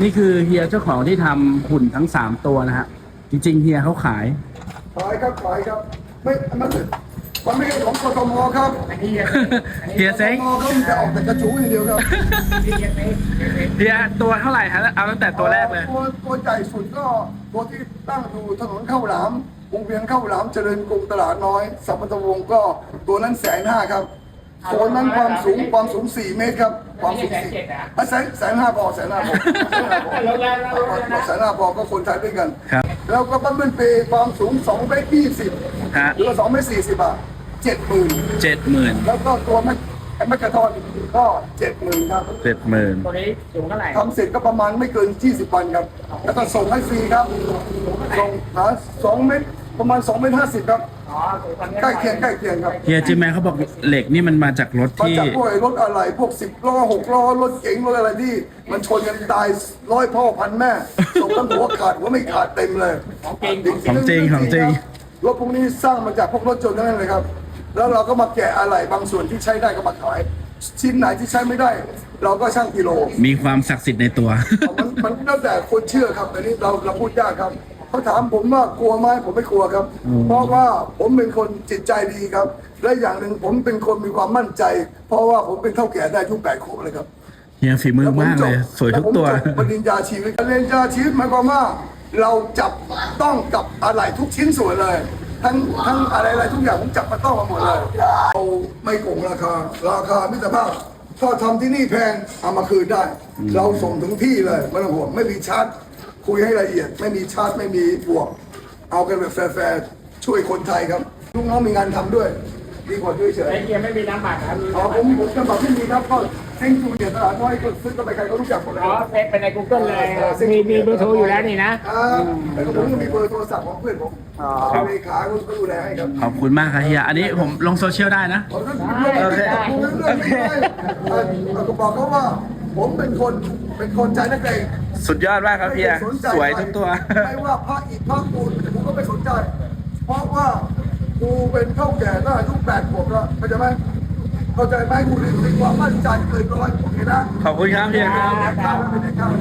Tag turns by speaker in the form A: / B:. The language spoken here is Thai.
A: นี่คือเฮียเจ้าของที่ทำหุ่นทั้ง3 ตัวนะฮะจริงๆเฮียเขาขาย
B: ขายครับขายครับไม่มันไม่ใช่ของกทมครับ
A: เฮียเซ้ง
B: กทมเขาจะออกแต่กระจูอย่างเดียวครับ
A: เฮียตัวเท่าไหร่ฮะเอาตั้งแต่ตัวแรกเลย
B: ตัวใหญ่สุดก็ตัวที่ตั้งอยู่ถนนข้าวหลามวงเวียนข้าวหลามเจริญกรุงตลาดน้อยสัมพันธวงศ์ก็ตัวนั้น150,000ครับตัวนั้นความสูง4 เมตรครับความสูง150,000พอ150,000พอก็คนไทยด้วยกัน
A: ครับ
B: แล้วก็บั้มเบิลเปย์ความสูง2 เมตร 20
A: ฮะ
B: หรือว่า2 เมตร 40 บาท 70,000
A: 70,000
B: แล้วก็ตัวแมกกาทอนก็ 70,000 ครับ
A: 70,000
C: ตัวนี้สูงเท่าไหร่
B: ทำเสร็จก็ประมาณไม่เกิน 20 วันครับ แล้วก็ส่งให้ฟรีครับส่งหา2 เมตรประมาณ2 เมตร 50 ครับ
C: อ๋อสูงกว่านี้
B: ใกล้เคียงครับ
A: เฮียจิมแมนเขาบอกเหล็กนี่มันมาจากรถ
B: มา
A: ที่
B: จากพวกรถอะไรพวก10 ล้อ 6 ล้อรถเก๋งรถอะไรที่มันชนกันตาย100 พ่อพันแม่ส่งทั้งหัวขาดหัวไม่ขาดเต็มเลย
A: ของจริง
B: รถพวกนี้สร้างมาจากพวกรถยนต์ทั้งนั้นเลยครับ แล้วเราก็มาแกะอะไรบางส่วนที่ใช้ได้ก็มาขาย ชิ้นไหนที่ใช้ไม่ได้ เราก็ช่างกิโล
A: มีความศักดิ์สิทธิ์ในตัว
B: มันแล้วแต่คนเชื่อครับอันนี้เราพูดยากครับเขาถามผมว่ากลัวไหมผมไม่กลัวครับ เพราะว่าผมเป็นคนจิตใจดีครับ และอย่างหนึ่งผมเป็นคนมีความมั่นใจ เพราะว่าผมเป็นเท่าแก่ได้อายุ8 ขวบเลยครับ
A: เฮียฝีมือมากเลย สวยทุกตัว
B: แล้ผมจบปริญญาชีวิตปริญญาชีวิตหมายความว่าเราจับต้องกับอะไรทุกชิ้นส่วนเลย ทั้งอะไรทุกอย่างผมจับมาต้องมาหมดเลยเราไม่โกงราคามิตรภาพถ้าทำที่นี่แพงเอามาคืนได้ เราส่งถึงที่เลยไม่ต้องห่วงไม่มีชาร์จคุยให้ละเอียด ไม่มีชาร์จไม่มีบวก เอากันแบบแฟร์ๆช่วยคนไทยครับลูกน้องมีงานทำด้วย ดีกว่าเฉย
C: ไอ้เกียร์ไม่มีน้ำบัตรครับ
B: ๆผมจะบอกที่มีครับก็เซ็งจูเนี่ยตลาดน้อยก็ซื้อกันไปใครก็รู้จักหมดเลย
C: อ๋อเฟซไปใน Google เลยมีเบอร์โทรอยู่แล้วนี่นะ
B: แล้วก็ผมก็มีเบอร์โทรศัพท์ของเพื่อนผมเลขาก็ดูแลให้ครับ
A: ขอบคุณมากครับเฮีย อันนี้ผมลงโซเชียลได้นะ
B: ผมก็บอกเขาว่าผมเป็นคนใจนักเลง
A: สุดยอดมากครับเฮีย สวยทุกตัว
B: ไม่ว่าพระอิฐพระปูนผมก็ไม่สนใจ เพราะว่ากูเป็นเท่าแก่ตั้งอายุ8 ขวบแล้วเข้าใจไหมกูมีความมั่นใจเกินร้อยโอเคนะ
A: ขอบคุณครับเฮียครับ
B: ครับ